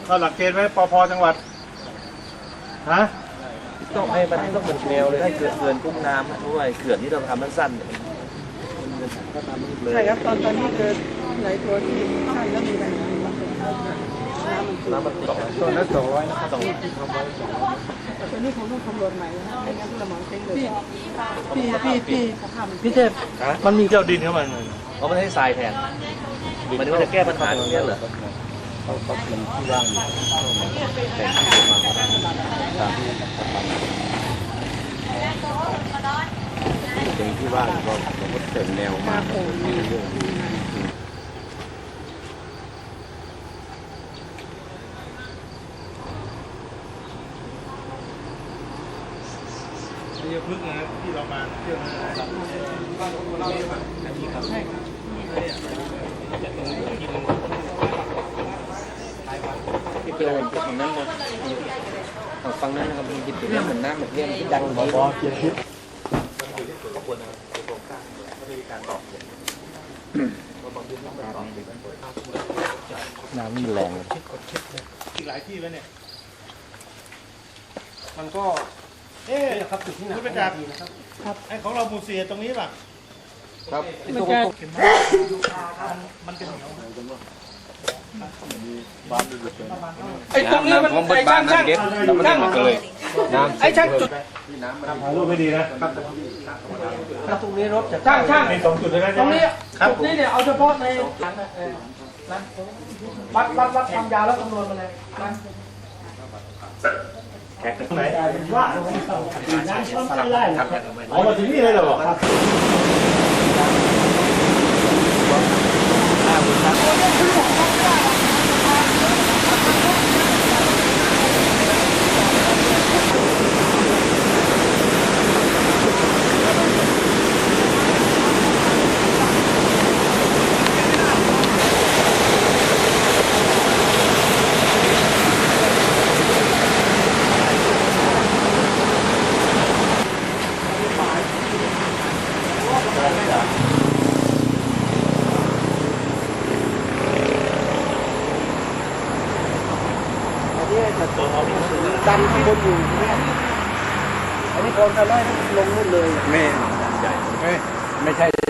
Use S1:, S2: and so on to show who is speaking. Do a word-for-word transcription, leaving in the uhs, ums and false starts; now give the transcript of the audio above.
S1: ก็หลักเกณฑ์ไหมปพจังหวัดฮะ
S2: ต้องให้มันต้องเป็นแนวเลยให้เกิดเขื่อนกุ้งน้ำด้วยเขื่อนที่เราทำมันสั้น
S3: ใช่ครับตอนตอนนี้เกิดหลายตัวที่สั้นแล้วมีปัญหาน้ำมันตก
S1: ตัวนั้นสองร้อยนะครับสอง
S3: ตัวนี้ผมต้องคำนวณใหม่นะไม่งั้นสมองเต็งเลยพี่พี่พี่พี่เทพ
S1: มันมีเจ้าดินเข้ามา
S2: เพราะมันให้ทรายแทนมันว่าจะแก้ปัญหาตรงนี้เหรอ
S1: เขาเขาเป็นที่ว่างอยู่แต่งที่มาตามที่เป็นที่ว่างก็เราก็เติมแนวมาเรื่อยนี่พึ่งนะที่เรามาเที่ยวนะครับอันนี้ครับใช่ครับ
S4: ที่เป็นฝั่งนั้นเลยฝั่งนั้นนะครับมันจิตเรื่องเหมือนน้ำเหมือนเรื่องที่ดังบอบอเกียร์ทิพย์
S2: ขบวนนะครับโครงสร้างไม่มีการตอบ
S4: น้ำมีแรง
S1: อีกหลายที่แล้วเนี่ยมันก็เอ๊ะครับจุดที่ไหนคุณประจักษ์ครับไอ้ของเราหมู่สี่ตรงนี้ป่ะ
S4: ครับ
S3: มันจะ
S1: มันจะเหนียว
S3: ไอ้ตรงนี้มันไอ้ช่างช่างช่าง
S4: เลย
S3: ไอ้ช่างจุด
S1: ถ่ายรูปไม่ดีนะ
S3: ถ้าตรงนี้รถจะช่างช่าง
S1: มีสองจุดเลยนะ
S3: ตรงนี้จุดนี้เนี่ยเอาเฉพาะในนะวัดวัดวัดความยาวแล้วคำนวณมาเลยนะ
S1: แขกตรงไหนว่าน้ำช้อนไล่เอามาถึงนี่เลยเหรอครับ
S3: ดันข้างบนอยู่เนี่ยอันนี้โอนกันไล่ลงนู่นเลย
S1: ไม่ไม่ไม่ใช่